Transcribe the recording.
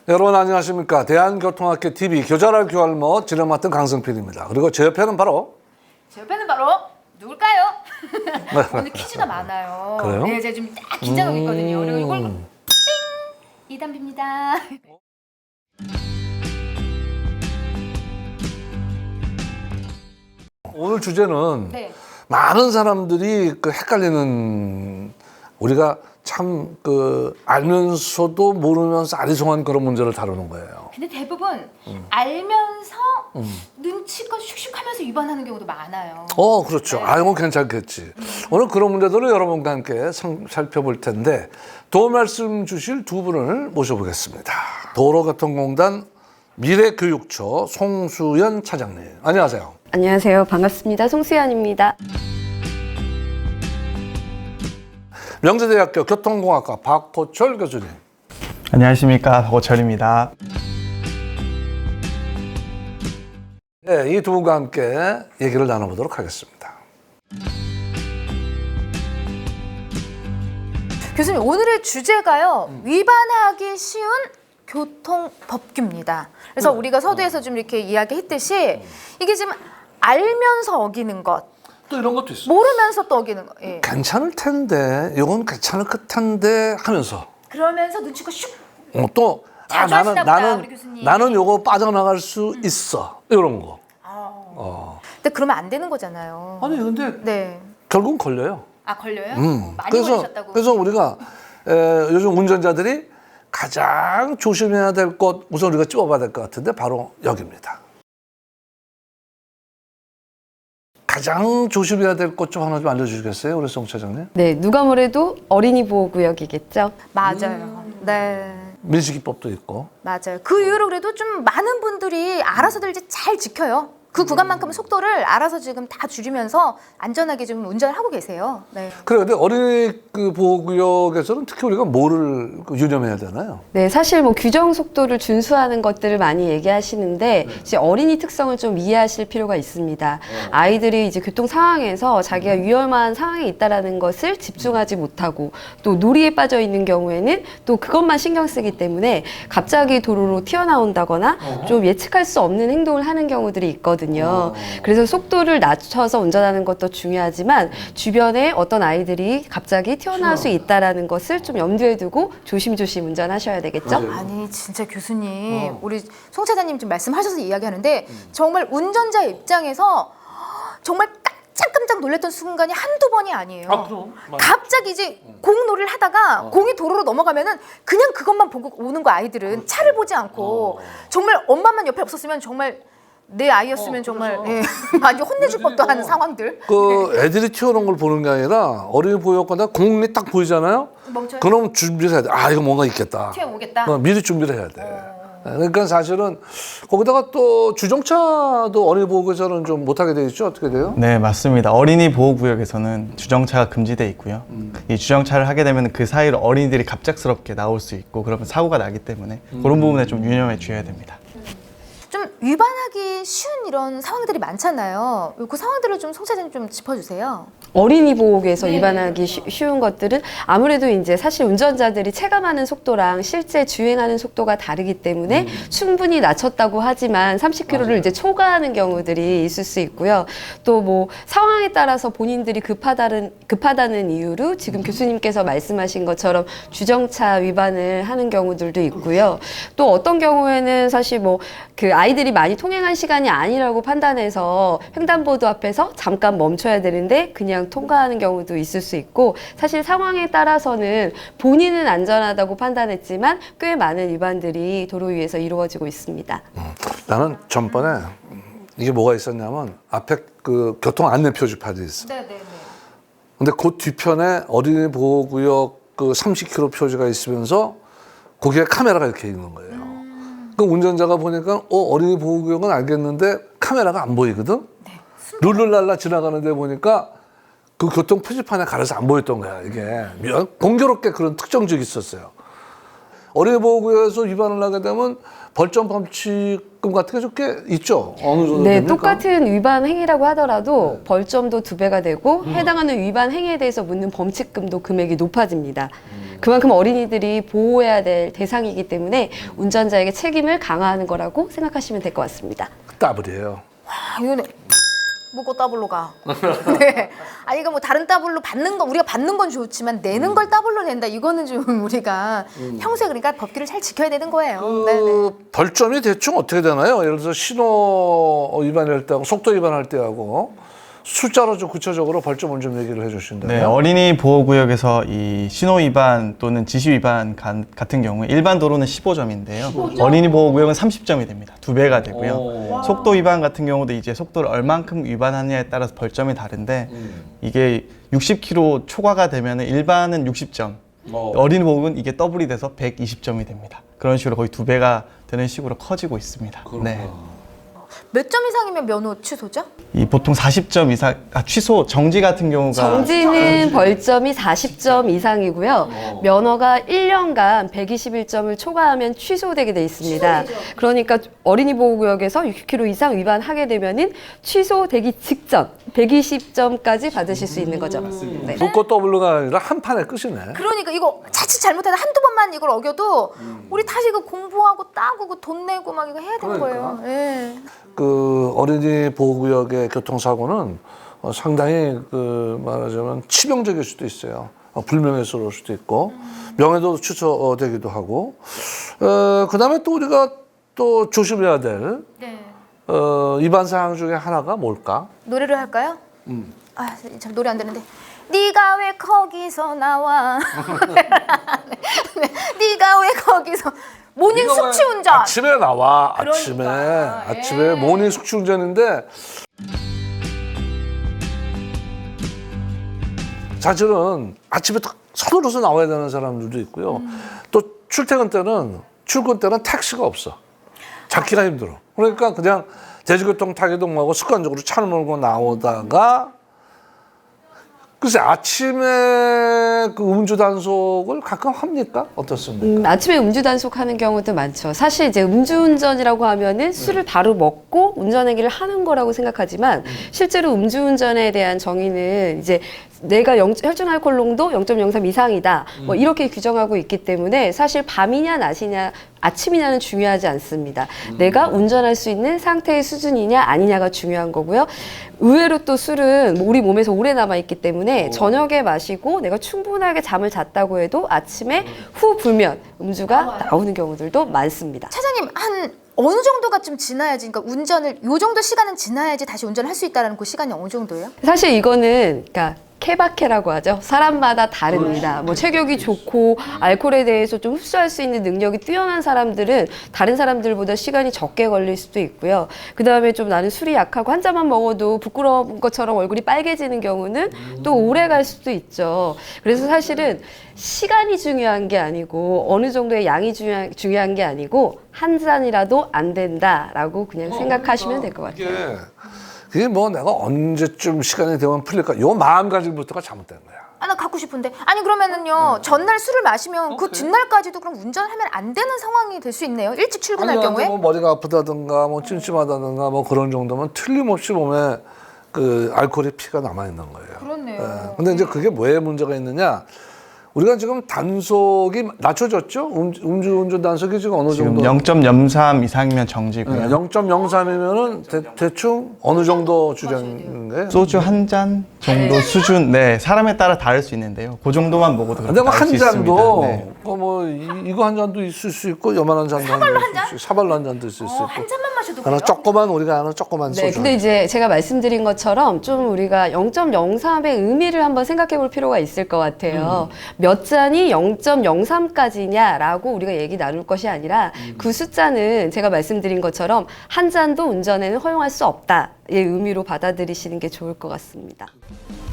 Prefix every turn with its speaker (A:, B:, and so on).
A: 여러분 안녕하십니까. 대한교통학교 TV 교자랄 교할머 진행 맡은 강승필입니다. 그리고 제 옆에는 바로
B: 누굴까요? 오늘 퀴즈가 많아요.
A: 그래요?
B: 네, 제가 지금 딱 긴장하고 있거든요. 그리고 이걸 띵! 이담비입니다.
A: 오늘 주제는
B: 네.
A: 많은 사람들이 헷갈리는 우리가 참 알면서도 모르면서 아리송한 그런 문제를 다루는 거예요.
B: 근데 대부분 알면서 눈치껏 슉슉하면서 위반하는 경우도 많아요.
A: 그렇죠.
B: 네.
A: 이건 괜찮겠지. 오늘 그런 문제들을 여러분과 함께 살펴볼 텐데 도움 말씀 주실 두 분을 모셔보겠습니다. 도로교통공단 미래교육처 송수연 차장님. 안녕하세요.
C: 안녕하세요. 반갑습니다. 송수연입니다.
A: 명재대학교 교통공학과 박호철 교수님.
D: 안녕하십니까. 박호철입니다.
A: 네, 이 두 분과 함께 얘기를 나눠보도록 하겠습니다.
B: 교수님, 오늘의 주제가요. 위반하기 쉬운 교통법규입니다. 그래서 우리가 서두에서 좀 이렇게 이야기했듯이 이게 지금 알면서 어기는 것,
A: 또 이런 것도 있어.
B: 모르면서 또 어기는 것. 예.
A: 괜찮을 텐데, 이건 괜찮을 듯한데 하면서
B: 그러면서 눈치껏 슉.
A: 또
B: 자주 하시나 보다, 우리 교수님.
A: 나는 요거 빠져나갈 수 있어. 이런 거.
B: 근데 그러면 안 되는 거잖아요.
A: 아니 근데
B: 네.
A: 결국은 걸려요.
B: 아, 걸려요? 많이 걸리셨다고.
A: 그래서 우리가 요즘 운전자들이 가장 조심해야 될 것 우선 우리가 찝어봐야 될 것 같은데 바로 여기입니다. 가장 조심해야 될 것 좀 하나 좀 알려주시겠어요, 우리 송 차장님?
C: 네, 누가 뭐래도 어린이 보호구역이겠죠.
B: 맞아요. 네.
A: 민식이법도 있고.
B: 맞아요. 그 이후로 그래도 좀 많은 분들이 알아서들 이제 잘 지켜요. 그 구간만큼은 속도를 알아서 지금 다 줄이면서 안전하게 좀 운전을 하고 계세요. 네.
A: 그래, 근데 어린이 보호구역에서는 특히 우리가 뭐를 유념해야 되나요?
C: 네, 사실 뭐 규정 속도를 준수하는 것들을 많이 얘기하시는데 이제 어린이 특성을 좀 이해하실 필요가 있습니다. 아이들이 이제 교통 상황에서 자기가 위험한 상황에 있다라는 것을 집중하지 못하고 또 놀이에 빠져 있는 경우에는 또 그것만 신경 쓰기 때문에 갑자기 도로로 튀어나온다거나 좀 예측할 수 없는 행동을 하는 경우들이 있거든요. 그래서 속도를 낮춰서 운전하는 것도 중요하지만 주변에 어떤 아이들이 갑자기 튀어나올 수 있다라는 것을 좀 염두에 두고 조심조심 운전하셔야 되겠죠?
B: 아니 진짜 교수님, 우리 송 차장님 지금 말씀하셔서 이야기하는데 정말 운전자 입장에서 정말 깜짝깜짝 놀랐던 순간이 한두 번이 아니에요.
A: 그럼.
B: 갑자기 이제 공놀이를 하다가 공이 도로로 넘어가면은 그냥 그것만 보고 오는 거, 아이들은 차를 보지 않고 정말 엄마만 옆에 없었으면 정말 내 아이였으면 정말 예, 많이 혼내줄 법도 한 상황들.
A: 애들이 튀어나온 걸 보는 게 아니라 어린이 보호구역마다 공이 딱 보이잖아요?
B: 멈춰요.
A: 그럼 준비를 해야 돼. 이거 뭔가 있겠다.
B: 튀어오겠다.
A: 미리 준비를 해야 돼. 그러니까 사실은 거기다가 또 주정차도 어린이 보호구역에서는 좀 못하게 돼 있죠? 어떻게 돼요?
D: 네, 맞습니다. 어린이 보호구역에서는 주정차가 금지돼 있고요. 이 주정차를 하게 되면 그 사이로 어린이들이 갑작스럽게 나올 수 있고 그러면 사고가 나기 때문에 그런 부분에 좀 유념해 주셔야 됩니다.
B: 좀 위반하기 쉬운 이런 상황들이 많잖아요. 그 상황들을 좀 송 차장님 좀 짚어주세요.
C: 어린이 보호구에서
B: 네,
C: 위반하기 쉬운 것들은 아무래도 이제 사실 운전자들이 체감하는 속도랑 실제 주행하는 속도가 다르기 때문에 충분히 낮췄다고 하지만 30km를 이제 초과하는 경우들이 있을 수 있고요. 또 뭐 상황에 따라서 본인들이 급하다는 이유로 지금 교수님께서 말씀하신 것처럼 주정차 위반을 하는 경우들도 있고요. 또 어떤 경우에는 사실 뭐 그 아이들이 많이 통행한 시간이 아니라고 판단해서 횡단보도 앞에서 잠깐 멈춰야 되는데 그냥 통과하는 경우도 있을 수 있고, 사실 상황에 따라서는 본인은 안전하다고 판단했지만 꽤 많은 위반들이 도로 위에서 이루어지고 있습니다.
A: 나는 전번에 이게 뭐가 있었냐면 앞에 교통 안내 표지판이 있어.
B: 네네네.
A: 근데 그 뒤편에 어린이 보호구역 30km 표지가 있으면서 거기에 카메라가 이렇게 있는 거예요. 그 운전자가 보니까 어린이 보호구역은 알겠는데 카메라가 안 보이거든. 룰루랄라 지나가는데 보니까 그 교통 표지판에 가려서 안 보였던 거야. 이게 공교롭게 그런 특정적이 있었어요. 어린이 보호구역에서 위반을 하게 되면 벌점 범칙금 같은 게 꽤 있죠. 어느 정도
C: 네,
A: 됩니까?
C: 똑같은 위반 행위라고 하더라도 벌점도 2배가 되고 해당하는 위반 행위에 대해서 묻는 범칙금도 금액이 높아집니다. 그만큼 어린이들이 보호해야 될 대상이기 때문에 운전자에게 책임을 강화하는 거라고 생각하시면 될 것 같습니다.
A: 따블이에요.
B: 아, 이거는 뭐고 따블로 가. 네. 아 이거 뭐 다른 따블로 받는 거 우리가 받는 건 좋지만 내는 걸 따블로 낸다. 이거는 좀 우리가 평소에 그러니까 법규를 잘 지켜야 되는 거예요. 네네.
A: 그 벌점이 대충 어떻게 되나요? 예를 들어서 신호 위반할 때하고 속도 위반할 때하고 숫자로 좀 구체적으로 벌점을 좀 얘기를 해주신다면.
D: 네, 어린이 보호구역에서 이 신호 위반 또는 지시 위반 같은 경우에 일반 도로는 15점인데요. 어린이 보호구역은 30점이 됩니다. 2배가 되고요. 속도 위반 같은 경우도 이제 속도를 얼만큼 위반하느냐에 따라서 벌점이 다른데 이게 60km 초과가 되면 일반은 60점, 어린이 보호구역은 이게 더블이 돼서 120점이 됩니다. 그런 식으로 거의 2배가 되는 식으로 커지고 있습니다. 네.
B: 몇 점 이상이면 면허 취소죠?
D: 이 보통 40점 이상, 취소, 정지 같은 경우가
C: 정지는 벌점이 40점 이상이고요. 면허가 1년간 121점을 초과하면 취소되게 돼 있습니다. 그러니까 어린이 보호구역에서 60km 이상 위반하게 되면은 취소되기 직전 120점까지 받으실 수 있는 거죠. 네.
A: 묶고 더블로가 아니라 한 판에 끝이네.
B: 그러니까 이거 자칫 잘못해서 한두 번만 이걸 어겨도 우리 다시 이거 공부하고 따고 그 돈 내고 막 이거 해야 되는 거예요. 예.
A: 그 어린이 보호구역의 교통사고는 상당히 그 말하자면 치명적일 수도 있어요. 불명예스러울 수도 있고 명예도 취소되기도 하고 그다음에 또 우리가 또 조심해야 될
B: 네.
A: 위반 사항 중에 하나가 뭘까?
B: 노래를 할까요? 아, 참 노래 안 되는데. 네가 왜 거기서 나와? 네가 왜 거기서 모닝 숙취 운전.
A: 아침에 나와.
B: 그러니까,
A: 아침에 모닝 숙취 운전인데 사실은 아침에 딱 서둘러서 나와야 되는 사람들도 있고요. 또 출근 때는 택시가 없어. 잡기가 힘들어. 그러니까 그냥 대중교통 타기도 뭐하고 습관적으로 차를 몰고 나오다가 글쎄 아침에 그 음주 단속을 가끔 합니까? 어떻습니까?
C: 아침에 음주 단속하는 경우도 많죠. 사실 이제 음주운전이라고 하면은 술을 바로 먹고 운전행위를 하는 거라고 생각하지만 실제로 음주운전에 대한 정의는 이제 내가 혈중 알코올 농도 0.03 이상이다. 뭐 이렇게 규정하고 있기 때문에 사실 밤이냐 낮이냐 아침이냐는 중요하지 않습니다. 내가 운전할 수 있는 상태의 수준이냐 아니냐가 중요한 거고요. 의외로 또 술은 우리 몸에서 오래 남아있기 때문에 저녁에 마시고 내가 충분하게 잠을 잤다고 해도 아침에 후 불면 음주가 나오는 경우들도 많습니다.
B: 차장님 한 어느 정도가 좀 지나야지, 그러니까 운전을 요 정도 시간은 지나야지 다시 운전을 할 수 있다라는 그 시간이 어느 정도예요?
C: 사실 이거는 그러니까 케바케라고 하죠. 사람마다 다릅니다. 뭐 체격이 좋고 알코올에 대해서 좀 흡수할 수 있는 능력이 뛰어난 사람들은 다른 사람들보다 시간이 적게 걸릴 수도 있고요. 그 다음에 좀 나는 술이 약하고 한 잔만 먹어도 부끄러운 것처럼 얼굴이 빨개지는 경우는 또 오래 갈 수도 있죠. 그래서 사실은 시간이 중요한 게 아니고 어느 정도의 양이 중요한 게 아니고 한 잔이라도 안 된다라고 그냥 생각하시면 될 것 같아요.
A: 그게 뭐 내가 언제쯤 시간이 되면 풀릴까? 요 마음가짐부터가 잘못된 거야.
B: 아, 나 갖고 싶은데. 아니 그러면은요 전날 술을 마시면 그 뒷날까지도 그럼 운전하면 안 되는 상황이 될 수 있네요. 일찍 출근할 경우에.
A: 뭐 머리가 아프다든가 뭐 찜찜하다든가 뭐 그런 정도면 틀림없이 몸에 그 알코올의 피가 남아 있는 거예요.
B: 그렇네요.
A: 근데 이제 그게 왜 문제가 있느냐? 우리가 지금 단속이 낮춰졌죠? 음주운전 단속이 지금 어느
D: 지금
A: 정도?
D: 0.03 이상이면 정지고요.
A: 0.03이면은 대충 어느 정도 주장인가요?
D: 소주 한 잔 정도 수준, 네, 사람에 따라 다를 수 있는데요. 그 정도만 먹어도
A: 근데 뭐
D: 나올
A: 한
D: 수
A: 잔도
D: 있습니다. 네.
A: 이거 한 잔도 있을 수 있고 요만한 잔도
B: 사발로 한 잔?
A: 사발로 한 잔도 있을 수 있고.
B: 한 잔만 마셔도
A: 하나
B: 돼요?
A: 조그만 우리가 아는 조그만
C: 네,
A: 소주.
C: 근데 이제 제가 말씀드린 것처럼 좀 우리가 0.03의 의미를 한번 생각해 볼 필요가 있을 것 같아요. 몇 잔이 0.03까지냐라고 우리가 얘기 나눌 것이 아니라 그 숫자는 제가 말씀드린 것처럼 한 잔도 운전에는 허용할 수 없다의 의미로 받아들이시는 게 좋을 것 같습니다.